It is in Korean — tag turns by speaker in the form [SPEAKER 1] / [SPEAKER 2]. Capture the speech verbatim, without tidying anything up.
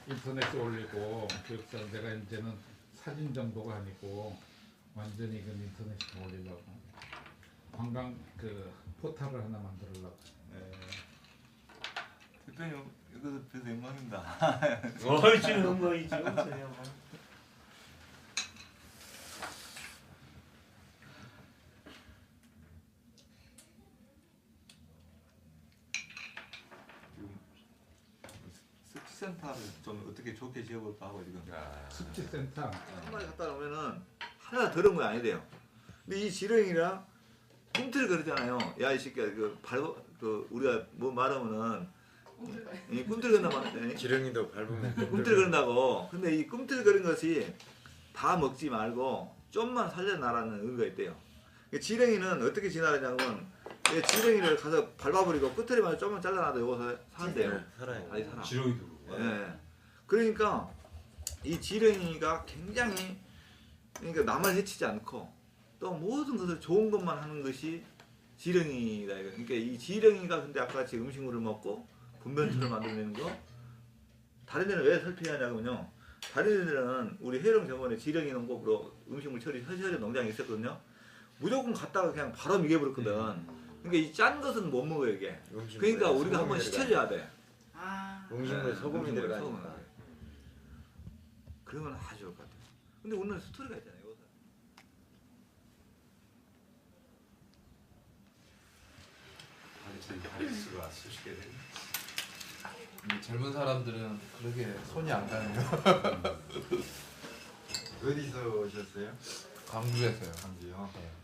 [SPEAKER 1] 인터넷에 올리고 그래서 내가 이제는 사진 정도가 아니고 완전히 그 인터넷에 올리려고 관광 그 포털을 하나 만들려고.
[SPEAKER 2] 네. 대표님 이거 뵈서 영광입니다.
[SPEAKER 3] 어이 지금 영광이죠. 저요.
[SPEAKER 2] 센터를 좀 어떻게 좋게 지어볼까 하고 지금.
[SPEAKER 1] 습지센터.
[SPEAKER 2] 한 마리 갖다 놓으면은 하나 더러운 거 아니래요. 근데 이 지렁이랑 꿈틀 거리잖아요. 야 이 새끼야 그 밟아 그 우리가 뭐 말하면은 이 꿈틀 거린다 말해.
[SPEAKER 4] 지렁이도 밟으면
[SPEAKER 2] 꿈틀 거린다고. 근데 이 꿈틀 거린 것이 다 먹지 말고 좀만 살려놔라는 의미가 있대요. 지렁이는 어떻게 진화하냐면 지렁이를 가서 밟아버리고 끝에만 좀만 잘라놔도 여기서 산대요.
[SPEAKER 4] 살아요.
[SPEAKER 2] 다시 살아.
[SPEAKER 3] 지렁이도.
[SPEAKER 2] 예. 그러니까 이 지렁이가 굉장히 그러니까 남을 해치지 않고 또 모든 것을 좋은 것만 하는 것이 지렁이다. 그러니까 이 지렁이가 근데 아까 같이 음식물을 먹고 분변초를 만들어내는 거 다른 데는 왜 설피하냐면요. 다른 데는 우리 해령 정원에 지렁이 농법으로 음식물 처리 허시허리 농장이 있었거든요. 무조건 갔다가 그냥 바로 미개버렸거든. 그러니까 이 짠 것은 못 먹어요 이게. 그러니까 우리가 한번 시켜줘야 돼.
[SPEAKER 5] 아.
[SPEAKER 4] 음식물에 소금이
[SPEAKER 2] 음식물에
[SPEAKER 4] 들어가니까.
[SPEAKER 2] 소금을. 그러면 아주 좋을 것 같아요. 근데 오늘 스토리가 있잖아요. 여기서.
[SPEAKER 3] 완전히 발수가 수십 개 되네.
[SPEAKER 6] 이 젊은 사람들은 그렇게 손이 안 가네요.
[SPEAKER 4] 어디서 오셨어요?
[SPEAKER 6] 광주에서요.
[SPEAKER 4] 광주요.
[SPEAKER 6] 네.